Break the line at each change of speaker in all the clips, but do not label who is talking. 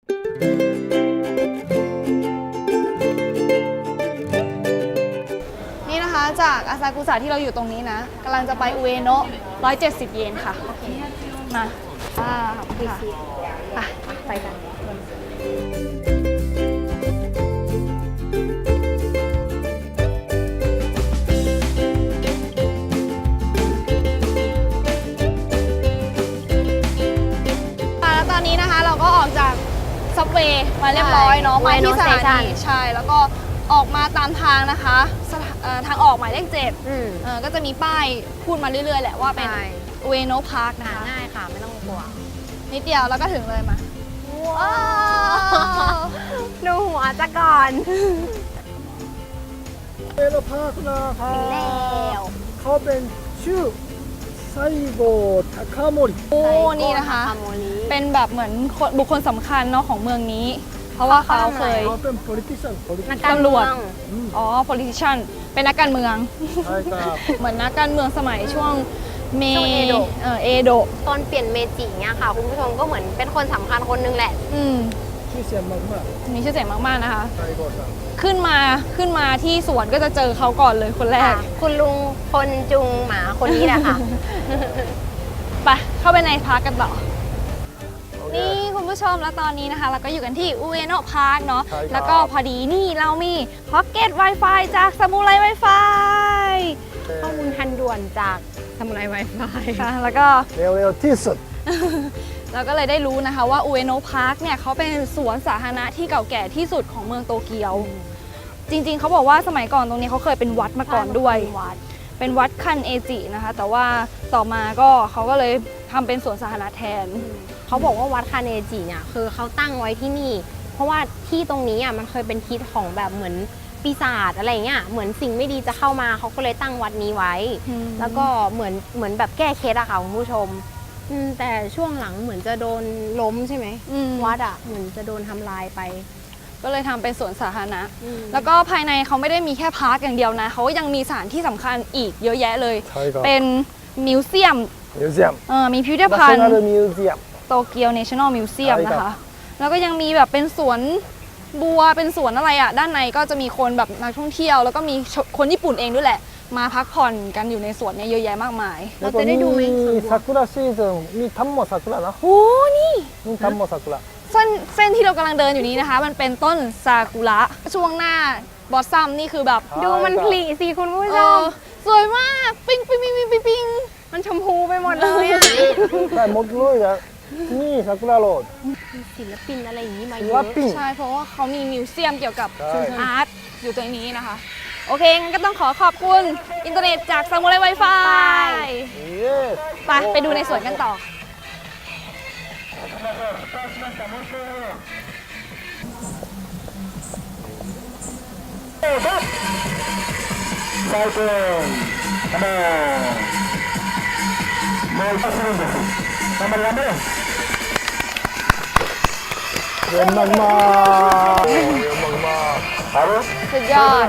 นี่นะคะจากอาซากุสะที่เราอยู่ตรงนี้นะกำลังจะไปอุเอโนะ170 เยนค่ะมาค่ะไปกันแล้วตอนนี้นะคะเราก็ออกจากซับเวย์มาเรียบร้อยเนาะมาที่สถานีใช่แล้วก็ออกมาตามทางนะคะทางออกหมายเลข7ก็จะมีป้ายพูดมาเรื่อยๆแหละว่าเป็นอุเอโนะพาร์คนะคะ
ง่ายค่ะไม่ต้องกลัว
นิดเดียวแล้วก็ถึงเลยมาว้าว
ดูหัวจะก่อน
อุเอโนะพาร์คนะคะเขาเป็นชื่อไซโกทาคาโมริ
โอ้นี่นะคะเป็นแบบเหมือนบุคคลสำคัญเนาะของเมืองนี้เพราะว่าเขาเคย
เป็น
นักตำรวจpolitician เป็นนักการเมืองเหมือนนักการเมืองสมัยช่วงเอโดะ
ตอนเปลี่ยนเมจิเนี่ยค่ะคุณผู้ชมก็เหมือนเป็นคนสำคัญคนนึงแหละ
ชื่อเสียงมาก
ๆมีชื่อเสียงมากๆนะคะขึ้นมาที่สวนก็จะเจอเขาก่อนเลยคนแรก
คุณลุงคนจุงหมาคนนี้แหละค่ะ
ไปเข้าไปในพาร์คกันต่อนี่คุณผู้ชมแล้วตอนนี้นะคะเราก็อยู่กันที่อุเอโนะพาร์คเนาะแล้วก็พอดีนี่เรามีพ็อกเก็ต Wi-Fi จากซามูไร Wi-Fi
ข้อมูลทันด่วนจากซามูไร Wi-Fi
ค่ะแล้วก็
เร็วที่สุด
เราก็เลยได้รู้นะคะว่าอุเอโนะพาร์คเนี่ยเขาเป็นสวนสาธารณะที่เก่าแก่ที่สุดของเมืองโตเกียวจริงๆเขาบอกว่าสมัยก่อนตรงนี้เขาเคยเป็นวัดมาก่อนด้วยเป็นวัดคันเอจินะคะแต่ว่าต่อมาก็เขาก็เลยทำเป็นสวนสาธารณะแทน
เขาบอกว่าวัดคาเนจิเนี่ยคือเขาตั้งไว้ที่นี่เพราะว่าที่ตรงนี้อ่ะมันเคยเป็นทิศของแบบเหมือนปีศาจอะไรเงี้ยเหมือนสิ่งไม่ดีจะเข้ามาเขาก็เลยตั้งวัดนี้ไว้แล้วก็เหมือนแบบแก้เคล็ดอะค่ะคุณผู้ชมแต่ช่วงหลังเหมือนจะโดนล้มใช่ไหมวัดอะเหมือนจะโดนทำลายไป
ก็เลยทำเป็นสวนสาธารณะแล้วก็ภายในเขาไม่ได้มีแค่พาร์คอย่างเดียวนะเขายังมีสถานที่สำคัญอีกเยอะแยะเลยเป็นมิวเซียมมีพิพิธภัณฑ์โตเกียว National Museum นะคะแล้วก็ยังมีแบบเป็นสวนบัวเป็นสวนอะไรอ่ะด้านในก็จะมีคนแบบนักท่องเที่ยวแล้วก็มีคนญี่ปุ่นเองด้วยแหละมาพักผ่อนกันอยู่ในสวนเนี่ยเยอะแยะมากมาย
เราจะได้ดูไหมซากุระซีซันมีทัมโมซากุระนะ
โอ้นี่
มีทัมโมซากุระ
เส้นที่เรากำลังเดินอยู่นี้นะคะมันเป็นต้นซากุระช่วงหน้าบอสซัมนี่คือแบบ
ดูมันผลิสิคุณผู้ชม
สวยมากปิ๊งปิ๊งปิ๊งปิ๊งปิ๊ง
มันชมพูไปหมดเลยอ่ะ
ใช่หมดเลยอ่ะนี่ซากุระโรด
ศิลปินอะไรอย่างนี้มาเย
อะใช่เพราะว่าเขามีมิวเซียมเกี่ยวกับอาร์ตอยู่ตรงนี้นะคะโอเคงั้นก็ต้องขอขอบคุณอินเทอร์เน็ตจากซามูไร Wi-Fi ไปดูในสวนกันต่อ
最高come on もう一発なんです頑張れ頑張れเยี่ยมมากเยี่ยมมาก
สุดยอด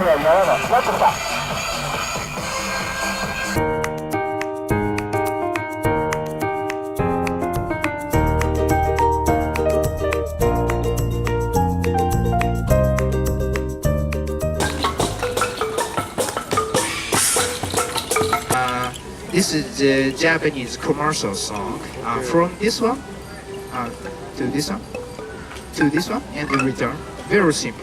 This is the Japanese commercial song. From this one to this one to this one and in return. Very simple.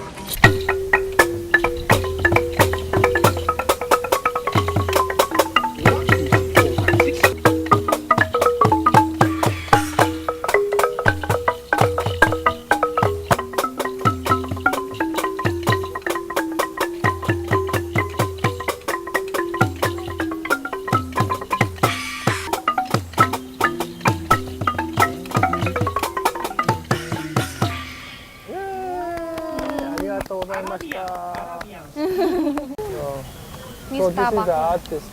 So this is the
artist.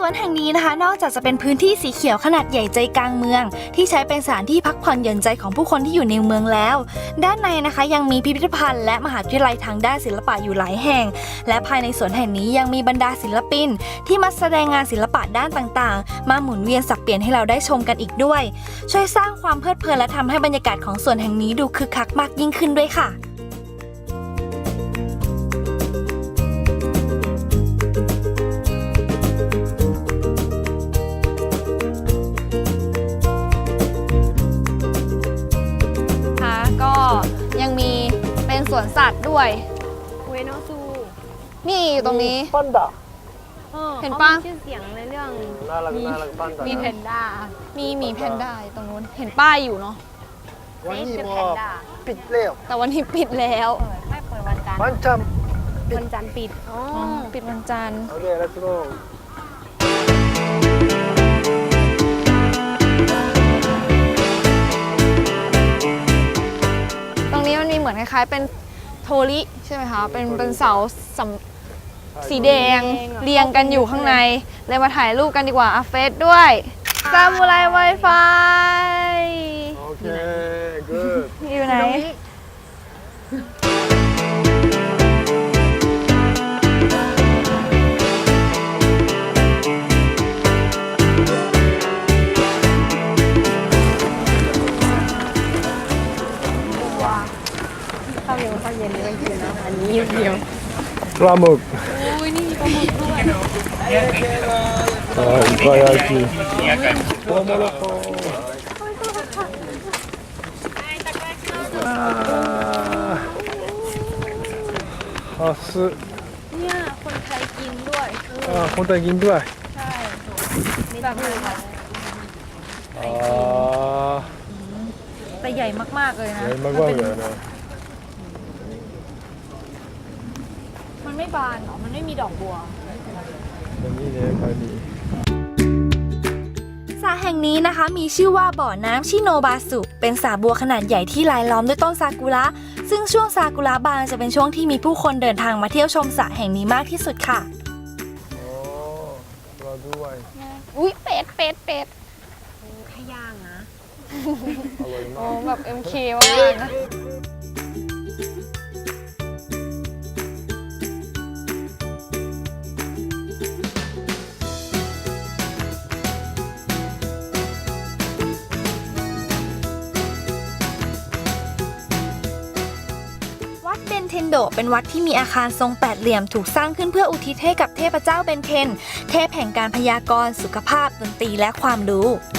วนแห่งนี้นะคะนอกจากจะเป็นพื้นที่สีเขียวขนาดใหญ่ใจกลางเมืองที่ใช้เป็นสถานที่พักผ่อนหย่อนใจของผู้คนที่อยู่ในเมืองแล้วด้านในนะคะยังมีพิพิธภัณฑ์และมหาวิทยาลัยทางด้านศิลปะอยู่หลายแห่งและภายในสวนแห่งนี้ยังมีบรรดาศิลปินที่มาแสดงงานศิลปะด้านต่างๆมาหมุนเวียนสับเปลี่ยนให้เราได้ชมกันอีกด้วยช่วยสร้างความเพลิดเพลินและทำให้บรรยากาศของสวนแห่งนี้ดูคึกคักมากยิ่งขึ้นด้วยค่ะก็ยังมีเป็นสวนสัตว์ด้วย
เวโนซู
นี่อยู่ตรงนี้
パンダ
เห็นปะ
ขามีชื่อเสียงในเรื่อง
น่ารักน่ารักパンダ
มีแพนด้า
มีหมีแพนด้าอยู่ตรงนู้นเห็นป้ายอยู่เนาะ
วันนี้
ชื่อ
も
แพน
う
ด้า
ปิดแล้ว
แต่วันนี้ปิดแล้ว
ไม่เปิดวันจันทร์
ワンちゃん
วันจันทร์ปิดอ๋อ
ปิดวันจันทร์
โอเคlet's go
ตรงนี้มันมีเหมือนคล้ายๆเป็นโทริใช่ไหมคะเป็นเสาสีแดงเรียงกันอยู่ข้างในเลยมาถ่ายรูปกันดีกว่าอาเฟสด้วยซามูไรไวไฟ
โอเค good
อยู่ไหน
ข้าวเหนียวข้าวเย็นนี่ไม่กินนะอันนี้เดียว
ปลาหมึก
อุ้ยนี่มีปลาหมึกด้วย
いっぱい焼きトウモロコハス
เนี่ยคนไทยกินด้วย
คนไทยกินด้วย
ใช่แบบนี้ค่ะ แต่ใหญ่มากๆเลยนะ
ใหญ่มากๆเลยนะ
มันไม่บานหรอมันไม่มีดอกบัว
อันนี้เนี่ยไปดี
สระแห่งนี้นะคะมีชื่อว่าบ่อน้ำชิโนบาสุเป็นสระบัวขนาดใหญ่ที่รายล้อมด้วยต้นซากุระซึ่งช่วงซากุระบานจะเป็นช่วงที่มีผู้คนเดินทางมาเที่ยวชมสระแห่งนี้มากที่สุดค่ะ
โอ้ปลาด้วย
อุ้ยเป็ด
ขย่างนะ
อร่อย
โอ้
มาก
แบบ MK มากนะวัดเบนเทนโดเป็นวัดที่มีอาคารทรงแปดเหลี่ยมถูกสร้างขึ้นเพื่ออุทิศให้กับเทพเจ้าเบนเทนเทพแห่งการพยากรณ์สุขภาพดนตรีและความรู้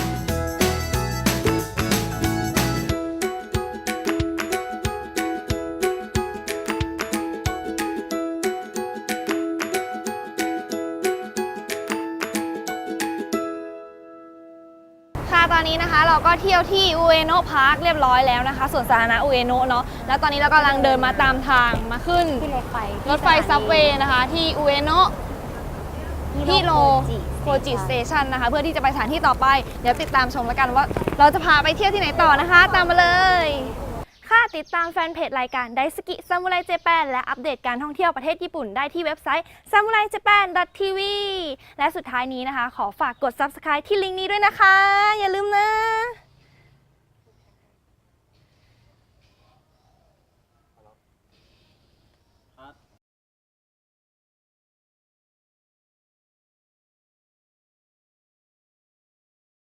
ค่ะตอนนี้นะคะเราก็เที่ยวที่อุเอโนะพาร์คเรียบร้อยแล้วนะคะสวนสาธารณะอุเอโนะเนาะแล้วตอนนี้เรากำลังเดินมาตามทางมาขึ้น
ที่รถไฟ
รถไฟซับเวย์นะคะที่อุเอโนะที่โลโคจิสเตชันนะคะเพื่อที่จะไปสถานที่ต่อไปเดี๋ยวติดตามชมแล้วกันว่าเราจะพาไปเที่ยวที่ไหนต่อนะคะตามมาเลยค่ะติดตามแฟนเพจรายการไดสกิซามูไรเจแปนและอัปเดตการท่องเที่ยวประเทศญี่ปุ่นได้ที่เว็บไซต์ samuraijapan.tv และสุดท้ายนี้นะคะขอฝากกด subscribe ที่ลิงก์นี้ด้วยนะคะอย่าลืมนะ